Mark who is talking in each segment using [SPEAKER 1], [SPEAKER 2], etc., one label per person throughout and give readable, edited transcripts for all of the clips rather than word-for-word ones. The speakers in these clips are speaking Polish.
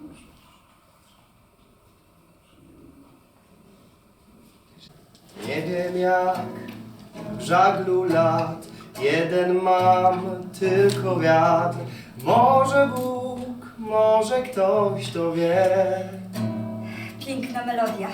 [SPEAKER 1] Nie wiem jak w żaglu lat, jeden mam tylko wiatr. Może Bóg, może ktoś to wie.
[SPEAKER 2] Piękna melodia.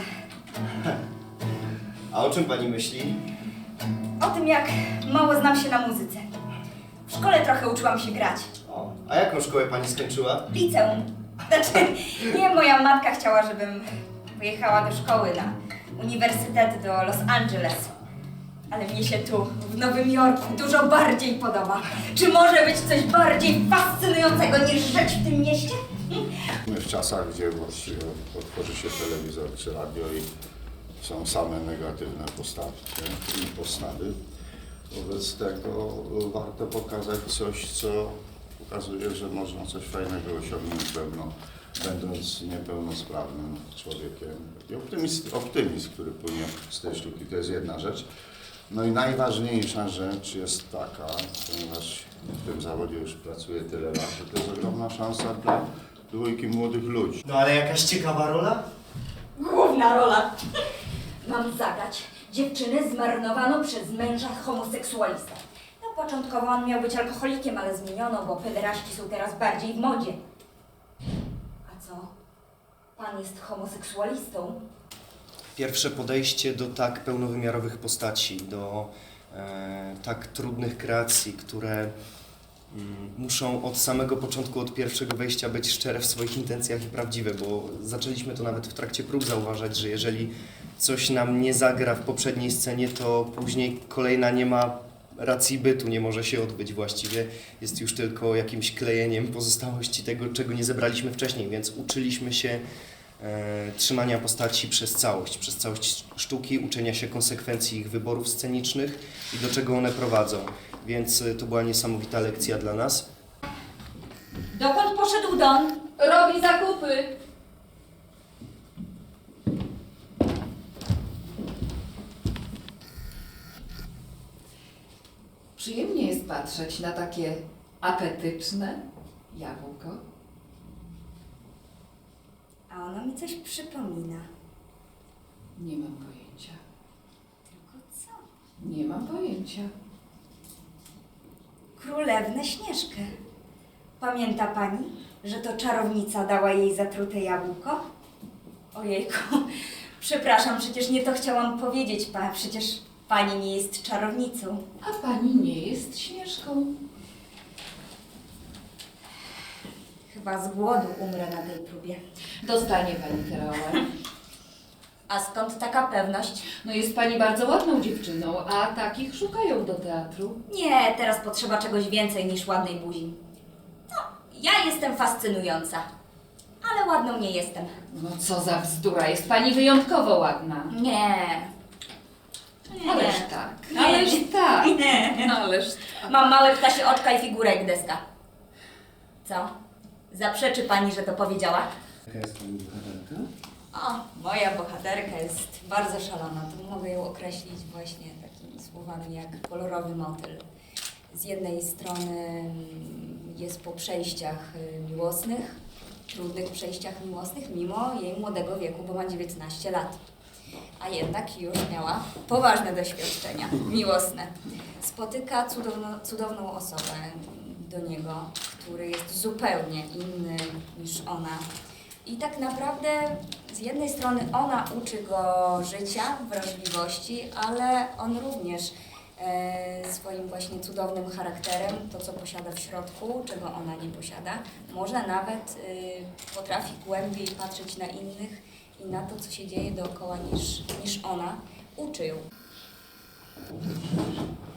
[SPEAKER 1] A o czym pani myśli?
[SPEAKER 2] O tym, jak mało znam się na muzyce. W szkole trochę uczyłam się grać.
[SPEAKER 1] O, a jaką szkołę pani skończyła?
[SPEAKER 2] Liceum. Znaczy, nie, moja matka chciała, żebym pojechała do szkoły na uniwersytet do Los Angeles. Ale mnie się tu, w Nowym Jorku, dużo bardziej podoba. Czy może być coś bardziej fascynującego niż żyć w tym mieście?
[SPEAKER 3] My w czasach, gdzie właściwie otworzy się telewizor czy radio i są same negatywne postawy. Wobec tego warto pokazać coś, co pokazuje, że można coś fajnego osiągnąć pewno, będąc niepełnosprawnym człowiekiem. I optymizm, który płynie z tej sztuki, to jest jedna rzecz. No i najważniejsza rzecz jest taka, ponieważ w tym zawodzie już pracuję tyle lat, że to jest ogromna szansa dla dwójki młodych ludzi.
[SPEAKER 1] No ale jakaś ciekawa rola?
[SPEAKER 2] Główna rola. Mam zagrać dziewczynę zmarnowaną przez męża homoseksualistę. No początkowo on miał być alkoholikiem, ale zmieniono, bo pederaści są teraz bardziej w modzie. A co? Pan jest homoseksualistą?
[SPEAKER 1] Pierwsze podejście do tak pełnowymiarowych postaci, do tak trudnych kreacji, które muszą od samego początku, od pierwszego wejścia być szczere w swoich intencjach i prawdziwe, bo zaczęliśmy to nawet w trakcie prób zauważać, że jeżeli coś nam nie zagra w poprzedniej scenie, to później kolejna nie ma racji bytu, nie może się odbyć właściwie, jest już tylko jakimś klejeniem pozostałości tego, czego nie zebraliśmy wcześniej, więc uczyliśmy się trzymania postaci przez całość sztuki, uczenia się konsekwencji ich wyborów scenicznych i do czego one prowadzą. Więc to była niesamowita lekcja dla nas.
[SPEAKER 2] Dokąd poszedł Don?
[SPEAKER 4] Robi zakupy. Przyjemnie jest patrzeć na takie apetyczne jabłko.
[SPEAKER 2] A ono mi coś przypomina.
[SPEAKER 4] Nie mam pojęcia.
[SPEAKER 2] Tylko co?
[SPEAKER 4] Nie mam pojęcia.
[SPEAKER 2] Królewnę Śnieżkę. Pamięta pani, że to czarownica dała jej zatrute jabłko? Ojejku, przepraszam, przecież nie to chciałam powiedzieć, przecież pani nie jest czarownicą.
[SPEAKER 4] A pani nie jest Śnieżką.
[SPEAKER 2] Chyba z głodu umrę na tej próbie.
[SPEAKER 4] Dostanie pani tę rolę.
[SPEAKER 2] A skąd taka pewność?
[SPEAKER 4] No jest pani bardzo ładną dziewczyną, a takich szukają do teatru.
[SPEAKER 2] Nie, teraz potrzeba czegoś więcej niż ładnej buzi. No, ja jestem fascynująca, ale ładną nie jestem.
[SPEAKER 4] No co za bzdura, jest pani wyjątkowo ładna.
[SPEAKER 2] Nie.
[SPEAKER 4] Ależ tak, ależ tak, ależ tak.
[SPEAKER 2] Mam małe ptasie oczka i figurę jak deska. Co? Zaprzeczy pani, że to powiedziała?
[SPEAKER 1] Jaka jest pani bohaterka?
[SPEAKER 2] O, moja bohaterka jest bardzo szalona. To mogę ją określić właśnie takimi słowami jak kolorowy motyl. Z jednej strony jest po przejściach miłosnych, trudnych przejściach miłosnych, mimo jej młodego wieku, bo ma 19 lat. A jednak już miała poważne doświadczenia miłosne. Spotyka cudowną osobę do niego, który jest zupełnie inny niż ona. I tak naprawdę z jednej strony ona uczy go życia, wrażliwości, ale on również swoim właśnie cudownym charakterem, to co posiada w środku, czego ona nie posiada, może nawet potrafi głębiej patrzeć na innych i na to, co się dzieje dookoła niż ona, uczy ją.